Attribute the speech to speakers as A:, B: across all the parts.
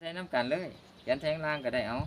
A: ใส่น้ำกันเลยเขียนแทงล่างก็ได้เอา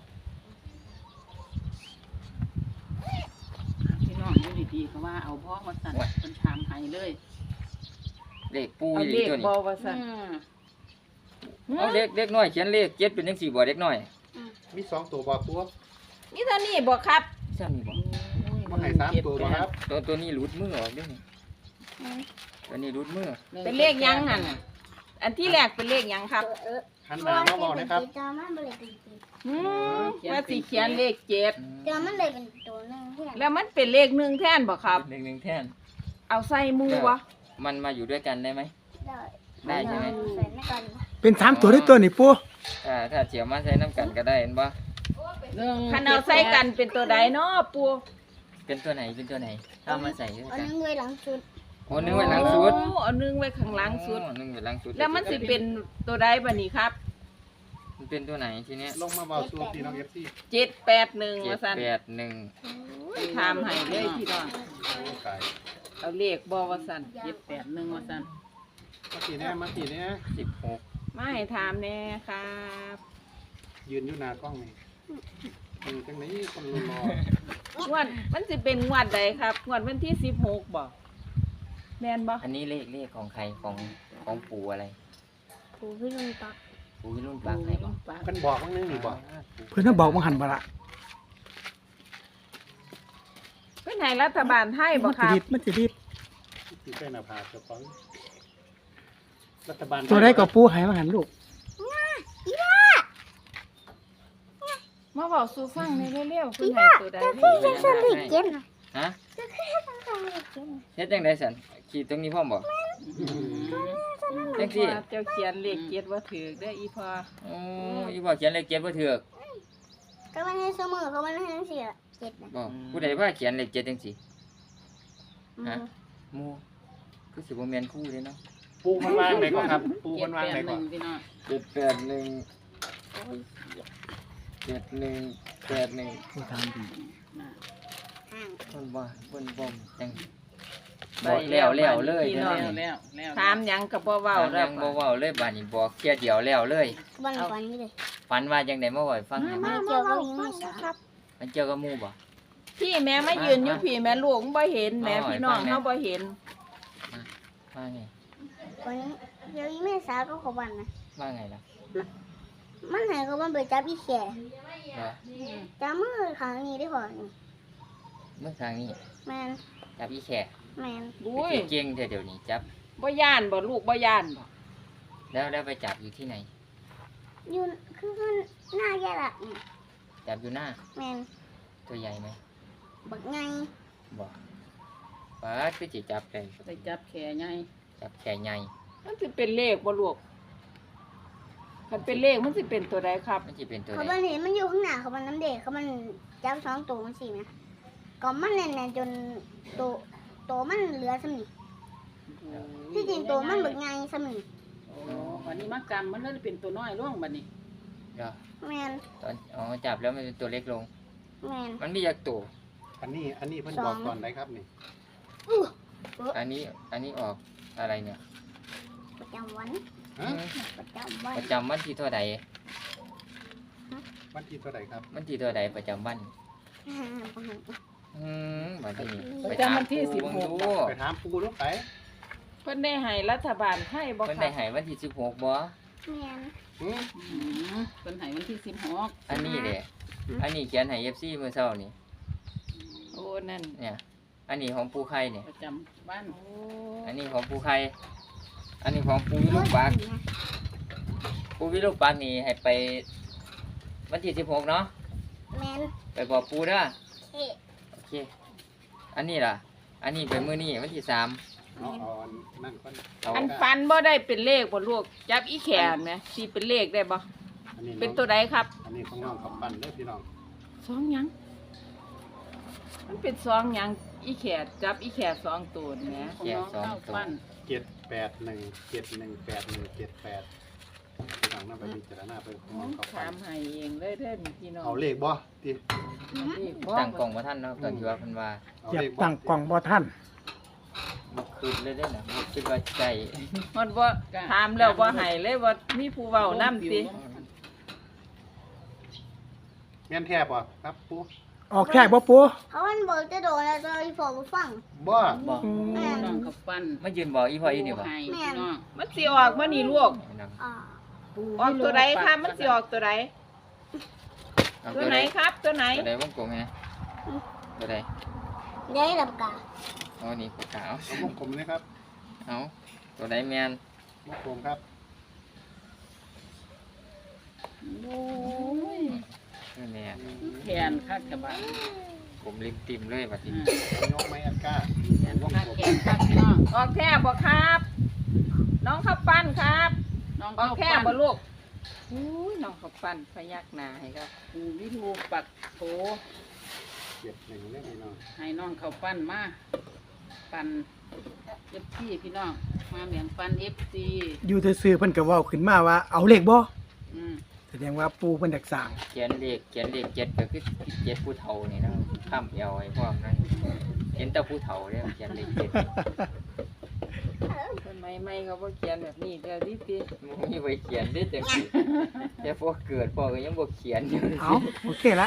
B: พี่น้องอยู่ดีๆเขาว่าเอาพ่อมาสั่นเป็นชามไห้เลย
A: เลขปู
C: เอา
A: อยู่
C: เลข
A: ตัวนี้
C: บ่ว่าซั่น
A: เอาเด็กน้อยเขียนเลข7เป็นจังซี่บ่เด็กน้อย
D: มี2ตัวบ่ตัว
C: นี่เท่านี้บ่ครับ
A: ซั่นนี่บ่
D: บ่ให้3ตัวบ่ครับ
A: ตัวนี้หลุดมือออกเด้อนี่ตัวนี้หลุดมือ
C: เป็นเลขหยังหั่นน่ะอันที่แรกเป็นเลขหยังครับ
D: หันหน้ามาบอกนะครับ
E: จอมันเลยเป็นตัว
C: ว่าสิเขียนเลข7
E: จอมันเลยเป็นตัวหนึงที่
C: แล้วมันเป็นเลข1แทนบ่ครับ
A: เลขหนึ่งแท่น
C: เอาใส่มือวะ
A: มันมาอยู่ด้วยกันได้ไหม
E: ได้
A: ได้ใช่ไหม
E: ใส่ไม่ก่อน
F: เป็น3ตัวได้ตัวนี่ปู
A: ถ้าเจียวมาใส่น้ำกันก็ได้เห็นบ่
C: คันเอาใส่กันเป็นตัวใดเนาะปู
A: เป็นตัวไหนถ้ามาใส่ด้วย
E: เอา
A: กัน
E: นึงไว้หลังสุด
A: โอ้นึงไว้หลังสุด
C: โอ้เอาหนึงไว้ข้างหลังสุด
A: นึงไว้หลังสุด
C: แล้วมันสิเป็นตัวใดบัดนี้ครับ
A: มันเป็นตัวไหนทีเนี้ย
D: ลงมาเบาสู่พี่น้อง FC
C: 781ว่าซั่น
A: 781
C: ถามให้เลยพี่น้อง
D: โอ้ตาย
C: เอาเลขบ่ว่าซั่น
B: 781ว่าซั่น
D: มาตีแน่มาตีแน่
A: 16
C: มาให้ถามแน่ครับ
D: ยืนอยู่หน้ากล้องนี่จังไหนคนรอง
C: วดมันสิเป็นงวดใดครับงวดวันที่16บ่แม่นบ่
A: อันนี้เลขของใครของปู่อะไร
E: ผูพี่ลุงตัก
A: ปู่วิรุ่นปากใครบ่
D: เพิ่นบอกว่านึงนี่บอก
F: เพิ่นน่ะบอกบ่หันบ่ละ
C: เป็นให้รัฐบาลไทยบ่
F: มัน
C: ค
F: สิ
C: รับ
F: รีบมันสิรีบ
D: สิใส่หน้าผากเจ้าของรัฐบาล
F: ตัวใดก็ปูให้มาหันลูก
C: มาบอกสู่ฟังในเร็วๆคุณให้ตัวใดเร็ว
E: จะขึ้นเลขเจ็ดนะ
A: ฮะ
E: จะขึ้นเลขเจ็ดนะ
A: เฮ็ดจังได๋ซั่นขีดตรงนี้พร้อมบ่ จังซี่
C: ว่าเจ้าเขียนเลขเจ็ดว่าถือเด้ออีพ่อ
A: โอ้อีบ่เขียนเลข7บ่ถูก
E: ก็มันให้เสมอเขามันให้ทั้งสี่ละเจ็ดนะ
A: บ่ผู้ใดว่าเขียนเลข7จังซี่ฮะหมู่คือสิบ่แม่นครูเด้เนาะ
D: ปูมันวางไหนก่อนครับปูมันวางไหนก่อน
B: 781พี่น้อง
A: 781
F: ปูถามดี
E: ห่าง
A: เพิ่นบ่จังบอกแล้วเลย
C: พี่
A: เด้
C: น้
A: อ
C: อง
A: นี่
B: แล้ว
C: ถามหยังก็บ่เว้า
A: เว้า
C: แล้
A: แล้ว วบ่เว้าเลยบัดนี้บอกเที่ยเดียวแล้วเลย
E: วันก่อนนี่เลย
A: ฝันว่าจังได๋มาเว้าให้ฟังหน่อย
E: มาเกี่ยวกับยิงไม่สา
C: ครับ
A: มันเกี่ยวกับหมู่บ่
C: พี่แม่มายืนอยู่พี่แม่ลูกบ่เห็นแม่พี่น้องเฮาบ่เห็น
A: ว่าไง
E: วันนี้เดี๋ยวยิงไม่สาก็ขบันนะ
A: ว่าไงล่ะ
E: มันหายเขาบันไปจับอีแข่
A: เหรอ
E: จับมือขางนี้ได้พอนี่
A: เมื่อครั้งนี้
E: แมน
A: จับอีแขก
E: แมน
C: อุ้ย
A: เก่งๆเดี๋ยวนี้จับ
C: บ่ย่านบ่ลูกบ่ย่านบ่
A: แล้วไปจับอยู่ที่ไหน
E: อยู่คือมันหน้าแย่ละนี่
A: จับอยู่หน้า
E: แมน
A: ตัวใหญ่ไหม
E: บักไง
A: บอกป้าคือจิจับได้
B: ไปจับแขนใหญ่
A: จับแขนใหญ่
C: มันสิเป็นเลขบ่ลูกคันเป็นเลขมันสิเป็นตัวใดครับ
A: มันจะเป็นตัว
E: เขา
A: ไหน
E: บันเห็นมันอยู่ข้างหน้าเขาบันน้ำเด็กเขาบันจับสองตัวมันสี่นะก็มันแน่นๆจนตัวมันเหลือสมิที่จริงตัวมันบักไงสมิ
B: โอ้วันนี้มากรรมมันเลยเป็นตัวน้อยลงบัดนี้
A: เดี๋ยว
E: แมน
A: ตอนจับแล้วมันเป็นตัวเล็กลง
E: แมน
A: มันมีอยากตัว
D: อันนี้เพิ่นบอกก่อนได้ครับนี่
A: อันนี้ออกอะไรเนี่ย
E: ประจำวัน
D: ฮะ
E: ประจำวัน
A: ประจำวันที่เท่าใด
D: วันที่เท่าไหร่ครับ
A: วันที่เท่าใดประจำวันวันที่นี่ดู
D: ไปถามปูลูกไป
C: เพิ่นได้ให้รัฐบาลไทยบ่
A: เพิ่น
C: ค
A: ได้
C: รับ
A: ให้วันที่16บ่
E: แมน
B: เป็นไหวันที่16
A: อันนี้เด้อันนี้เขียนให้ FC เมื่อเช้านี่
C: โอ้นั่น
A: เนี่ย อันนี้ของปูไข่เนี่ย
B: ประจำบ้าน
C: โอ้
A: อันนี้ของปูไข่อันนี้ของปูวิลูกปักปูวิลูกปักนี่ให้ไปวันที่16เนาะ
E: แมน
A: ไปบอกปูเด้อ
E: เอ๊ะ
A: โอเค อันนี้ล่ะ อันนี้เป็นมื้อนี้วันที่3
D: เอานั่นก่อน
A: เอา
C: อันฟันบ่ได้เป็นเลขบ่ลูกจับอีแขนไหมสิเป็นเลขได้บ่
D: อันนี้
C: เป็นตัวใดครับ
D: อันนี้ของน้องกับปั้นเด้อพี่น้อง
C: สองหยังมันเป็นสองหยังอีแขนจับอีแขนสองตัวนี่แหม
B: ของน้องเข้าปั้น
D: 781717178พี่น้องนำไปพิจารณาไปของน้องกับปั้
C: ถาน มให้เองเลยเด้อนี่พี่น้อง
D: เอาเลขบ่ติ
C: เลขบ่
A: ตั้งกล่องบ่ทันเนาะตอนที่ว่าเพิ่นว่า
D: เอา
F: อยา
D: เล
F: ก
D: ขบ่
F: ตั้งกล่องบ่ทัน
A: บ่คืนเลยเด้อน่ะบ่คิดว่าใจ
C: มันบ่ถามแล้วบ่ให้เลยว่ามีผู้เว้านำติ
D: แม่นแท้บ่ครับปู
F: ออกแท้บ่ปู
E: เขามันบอกจะโดนแล้วจะอีพอบ่ฟัง
D: บ่
A: บอก
E: แม่น
B: น้องเขาปั้น
A: มายืนบอกอีพ่ออีนี่บ่
B: ให้พี่น้อง
C: มันสิออกบ่นี่ลูก
A: น้อง
E: อ่า
C: ออกตัวใดครับมันสิออกตัวใด
A: เอา
C: ตัวไหนครับ ตัวไหน
A: ตัวใดวงกลมไงตัวใด
E: ได้หลับกา
A: อ๋อนี่ปากกาเอา
D: เอาวงกลมนะครับ
A: เอาตัวใดแมน
D: วงกลมครับ
B: โอ้ย
A: ตัวแมน
B: แขนคักกะบะ
A: ผมริมติมเลยบัดนี้
D: เอายกไม้อันก้า
B: แขนคักแขนคักพี่น้อง
C: ออกแท้บ่ครับ น้องข้าวปั้นครับ
B: น้อง
C: ออ
B: เขา
C: กแท้
B: ปั้น
C: บ่ลูกอุ้ยน้องข้าวปั้นพยักหน้าให้ครับ
B: ปูวิทูปักโถ
D: เก็บหนึ่งเล่มให้น้อง
B: ให้น้องเขาปั้นมาปั้นเอฟซีพี่น้องมาเหมียงปั้นเอฟซี
F: อยู่ซื่อๆเพิ่นก็เว้าขึ้นมาว่าเอาเลขบ่
B: อืม
F: แสดงว่าปูเพิ่นอยากสร้าง
A: เขียนเลขเจ็ดก็คือเจ็ดผู้เฒ่านี่นะข้ามเอวไอ้พวกนั้นเห็นแต่ผู้เฒ่าเนี่ยเขียนเลขเจ็ด
C: คนใหม่ๆเขาบ่เขียนแบบนี้เด้อดิติ
A: มึงมีไว้เขียนได้จังสิแต่พวกเกิดพ่อก็ยังบ่เขียนอยู่
F: เอาโอเคละ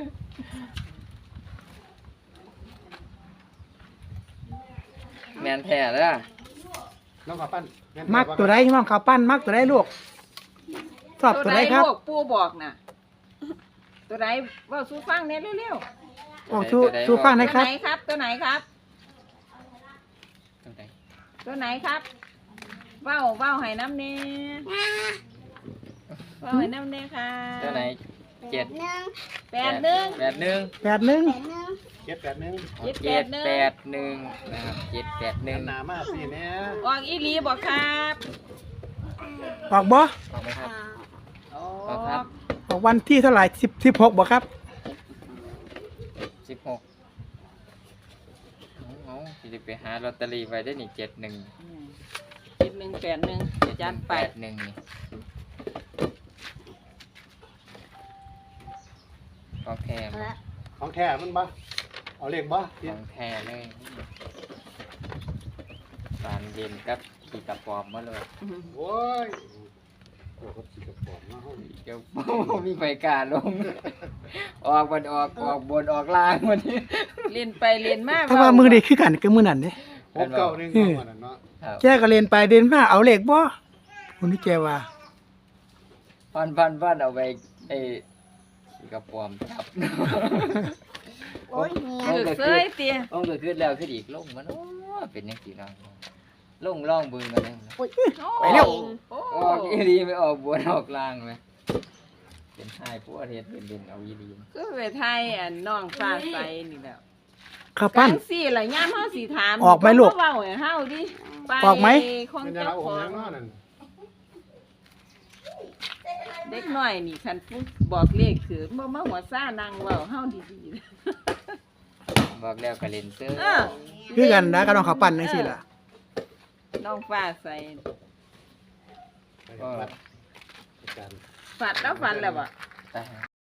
A: แมนแท้แล้ว
D: น้องข้าวปั้นแนแท้
F: มักตัวใดน้องข้าวปั้นมักตัวใดลูกชอบตัวใดครับ
C: ลูกปู่บอกน่ะ ตัวใดเว้าสู่ฟังแหน่เร็ว
F: ออกสู่ฟัง
C: ๆ
F: ห
C: ตั
F: นะ
C: ว
F: ครับ
C: ไหนครับ ตัวไหนครับ
A: ตัวใด
C: ตัวไหนครับ เว้าให้น้ำเน่เว้าให้น้ำเน่ค่ะ
A: ตัวไหนเจ็ด
E: หนึ่ง
C: 81
A: 81
F: 81
E: แปดหนึ่ง
D: เก็บแบบนึง
A: 781นะครับ
D: เงินห
A: 781
D: นามาสิเนี่ย
C: ออกอีหลีบอกครับ
F: ออกบ่
A: ออกไหมครับ
C: อ
A: ออกครับ
F: ออกวันที่เท่าไหร่16บ่ครับ
A: 16เอาสิไปหาลอตเตอรี่ไว้ได้นี่71
C: 7181จัดไป
A: 81นี่ของแท้
E: เอาละ
D: ของแท้มันบ่เอาเลขบ่
A: ของแท้เลยสารเย็นกับขี่กระป๋อมมาเลย
D: โอ้ยโอ้โหสิกระป๋องมาเฮานี่
A: เดี๋ยว มีไฟกล้าลง ออกบนออกบนออกล่างวันนี้
C: เรียนไปเรียนมา
F: ถ้าว่ามือนี้คือกันกับมือนั่นเด้
D: หกเก้าหนึ่งเอามานั่นเนาะ
A: ครับ
F: แกก็เรียนไปเดินมาเอาเลขบ่คนนี้แกว่า
A: พันเอาไปไอ้ขี่กระป๋อมจับ
E: โอ้ยเฮีย
C: ถือเสยเตีย
A: ต้องเกิดขึ้นแล้วขึ้นอีกลงมันโอ้เป็นยังกี่น้องลงล่องบึงกันเลย
F: ไปเร็ว
C: โอ้
A: ออกอีรีไม่ออกบนออกล่างไหมเป็นไห้พวกเรียนเป็นเด่นเอาอีรี
C: คือไปไทยอันน้องฟ้าใสนี่แหล้ว
F: ข้าวปั้น
C: จังสี่ล่ะย่ามเฮาสิถาม
F: ออกไหมลูก
C: เว้าให้เฮาดิไป
F: ออกไหม
C: ของ
D: เป็น
C: เจ้า
D: ดาราอง
C: ข
D: ค์
C: อ
D: ยัง งเนาะนั่น
C: เด็กน้อยนี่คันผู้บอกเลขคือบ่มาหัวซ่านั่งเว้าเฮาดี
A: บอกแล้วก็เล่นเตอร์
C: ๆเออ
F: คือกันนะกับน้องข้าวปั้นจังซี่ล่ะ
C: น้องฟ้าใส
D: ไปครับอาจารย์
C: ฝันแล้วฝันแล้วบ่
A: ตาย